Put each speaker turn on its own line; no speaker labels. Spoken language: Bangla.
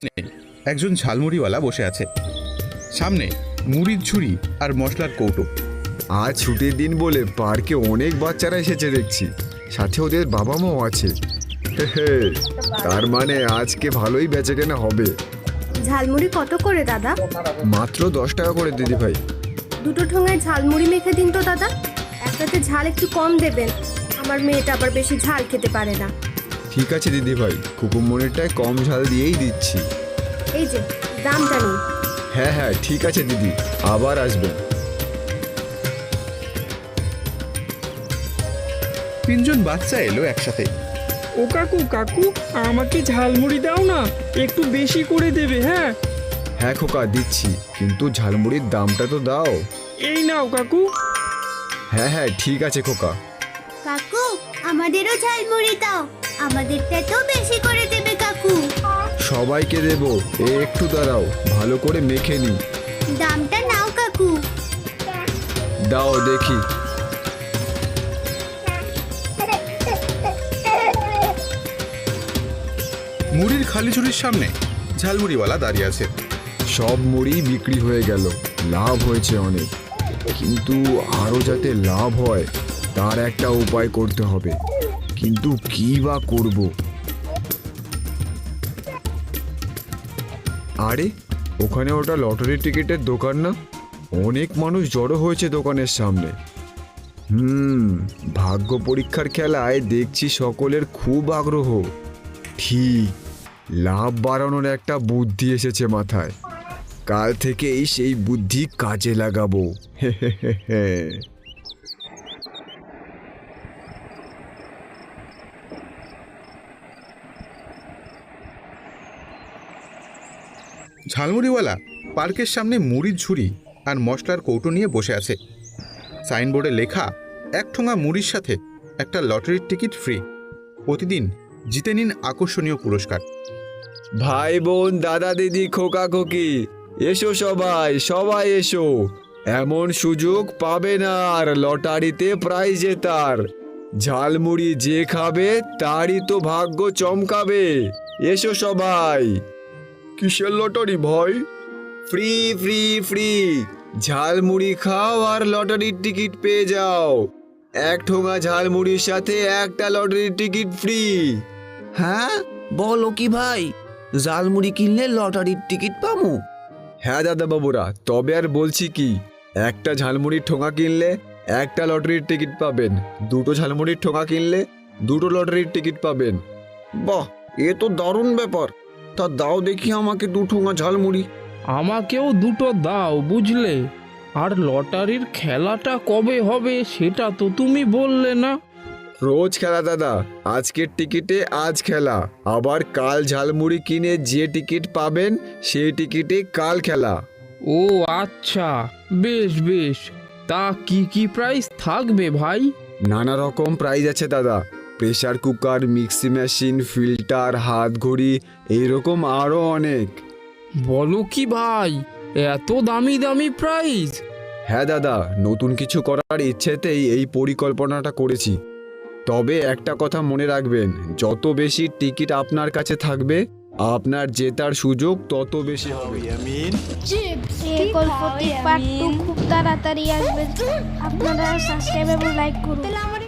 একজন ঝালমুড়িওয়ালা বসে আছে, সামনে মুড়ির ঝুড়ি আর মশলার কৌটো।
আজ ছুটির দিন বলে পার্কে অনেক বাচ্চারা এসেছে দেখছি, সাথে ওদের বাবা মাও আছে। তার মানে আজকে ভালোই বেচাকেনা হবে।
ঝালমুড়ি কত করে দাদা?
মাত্র 10 টাকা করে দিদি ভাই।
দুটো ঠোঙায় ঝালমুড়ি মেখে দিন তো দাদা। একটাতে ঝাল একটু কম দেবেন, আমার মেয়েটা আবার বেশি ঝাল খেতে পারে না।
ঠিক আছে দিদি ভাই, কুকুমনিরটায় কম ঝাল দিয়েই দিচ্ছি।
এই যে দামটা নিন।
হ্যাঁ হ্যাঁ ঠিক আছে দিদি, আবার আসবেন।
তিনজন বাচ্চা এলো একসাথে।
ও কাকু কাকু, আমাকে ঝালমুড়ি দাও না, একটু বেশি করে দেবে। হ্যাঁ
হ্যাঁ খোকা দিচ্ছি, কিন্তু ঝালমুড়ির দামটা তো দাও।
এই নাও কাকু।
হ্যাঁ হ্যাঁ ঠিক আছে খোকা।
কাকু আমাদেরও ঝালমুড়ি দাও, আমাদেরটাতেও বেশি করে দেবে কাকু।
সবাইকে দেবো, একটু দাঁড়াও, ভালো করে মেখে নি।
দামটা নাও কাকু।
দাও দেখি।
মুড়ির খালি ঝুড়ির সামনে ঝালমুড়িওয়ালা দাঁড়িয়ে আছে।
সব মুড়ি বিক্রি হয়ে গেল, লাভ হয়েছে অনেক, কিন্তু আরও যাতে লাভ হয় তার একটা উপায় করতে হবে। কিন্তু কি বা করব? আরে ওখানে ওটা লটারির টিকিটের দোকান না? অনেক মানুষ জড়ো হয়েছে দোকানের সামনে। ভাগ্য পরীক্ষার খেলায় দেখছি সকলের খুব আগ্রহ। ঠিক, লাভ বাড়ানোর একটা বুদ্ধি এসেছে মাথায়। কাল থেকেই সেই বুদ্ধি কাজে লাগাবো।
ঝালমুড়িওয়ালা পার্কের সামনে মুড়ির ঝুড়ি আর মশলার কৌটো নিয়ে বসে আছে। সাইনবোর্ডে লেখা, 1 ঠোঙা মুড়ির সাথে একটা লটারির টিকিট ফ্রি। প্রতিদিন জিতে নিন আকর্ষণীয় পুরস্কার।
ভাই বোন দাদা দিদি খোকা খোকি, এসো সবাই সবাই এসো। এমন সুযোগ পাবে না আর লটারিতে প্রাইজ জেতার। ঝালমুড়ি যে খাবে তারই তো ভাগ্য চমকাবে। এসো সবাই। কিসের লটারি ভাই? ফ্রি ফ্রি ফ্রি, ঝালমুড়ি খাও আর লটারির টিকিট পেয়ে যাও। 1 ঠোঙা ঝালমুড়ির সাথে একটা লটারির টিকিট ফ্রি।
হ্যাঁ বলো কি ভাই, ঝালমুড়ি কিনলে লটারির টিকিট পাবো?
হ্যাঁ দাদা বাবুরা, তবে আর বলছি কি, একটা ঝালমুড়ির ঠোঙা কিনলে একটা লটারির টিকিট পাবেন, দুটো ঝালমুড়ির ঠোঙা কিনলে দুটো লটারির টিকিট পাবেন।
বাহ, এ তো দারুণ ব্যাপার। তা দাও দেখি আমাকে 2 ঠোঙা ঝালমুড়ি।
আমাকেও দুটো দাও বুঝলে। আর লটারির খেলাটা কবে হবে সেটা তো তুমি বললে না।
রোজ খেলা দাদা, আজকের টিকিটে আজ খেলা, আবার কাল ঝালমুড়ি কিনে যে টিকিট পাবেন সেই টিকিটে কাল খেলা।
ও আচ্ছা, বেশ বেশ। তা কি কি প্রাইস থাকবে ভাই?
নানা রকম প্রাইজ আছে দাদা, pressure cooker, mixie machine, filter, হাত ঘড়ি, এইরকম আরও অনেক।
বলো কি ভাই, এত দামি দামি প্রাইস?
হ্যাঁ দাদা, নতুন কিছু করার ইচ্ছেতেই এই পরিকল্পনাটা করেছি। তবে একটা কথা মনে রাখবেন, যত বেশি টিকিট আপনার কাছে থাকবে আপনার জেতার সুযোগ তত বেশি হবে।
এই গল্পটি পার্ট 2 খুব তাড়াতাড়ি আসবে। আপনারা সাবস্ক্রাইব এবং লাইক করুন।